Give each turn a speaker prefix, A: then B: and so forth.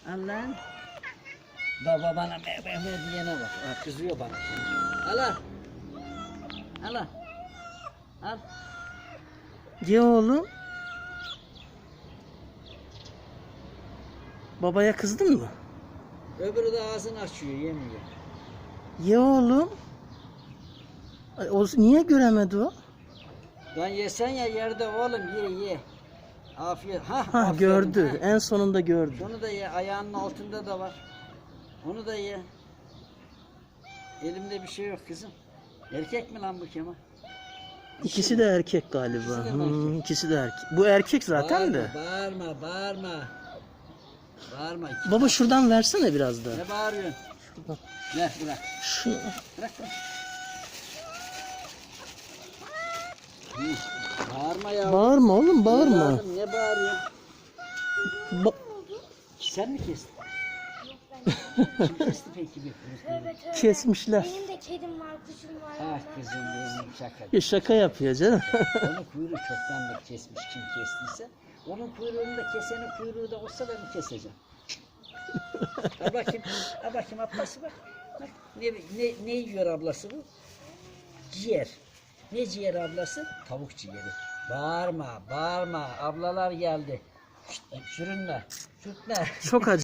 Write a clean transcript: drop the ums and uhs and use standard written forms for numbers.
A: Allah'ım. Baba bana diyene bak. Kızıyor bana. Al. Al. Al.
B: Ye oğlum. Babaya kızdın mı?
A: Öbürü de ağzını açıyor, yemiyor.
B: Ye oğlum. Ay, o niye göremedi o?
A: Lan yesen ya yerde oğlum, ye. Afiyet.
B: Ha
A: Aferin,
B: gördü.
A: ha.
B: En sonunda gördü.
A: Onu da ye, ayağının altında da var. Onu da ye. Elimde bir şey yok kızım. Erkek mi lan bu Kemal?
B: İkisi de erkek galiba.
A: İkisi de mi erkek?
B: İkisi de erkek. Bu erkek zaten de.
A: Bağırma.
B: Baba şuradan versene biraz daha.
A: Ne bağırıyorsun?
B: Şuradan.
A: Ver bırak.
B: Şunu.
A: Bırak. Bağırma ya.
B: Bağırma oğlum, bağırma.
A: Ne bağırıyorsun?
B: Ba-
A: Sen mi kestin? Kim kesti peki bir kuyruk?
C: Tövbe tövbe.
B: Kesmişler.
C: Benim de kedim var, kuşum var.
A: Ah kızım benim şaka.
B: Ya şaka yapıyor canım.
A: Onun kuyruğu çoktandır kesmiş kim kestiyse. Onun kuyruğunu da kesenin kuyruğu da olsa ben keseceğim. Al bakayım ablası bak. Bak ne yiyor ablası bu? Ciğer. Ne ciğer ablası? Tavuk ciğeri. Bağırma. Ablalar geldi. Şşt, sürünme. Sürtme.
B: Çok acı.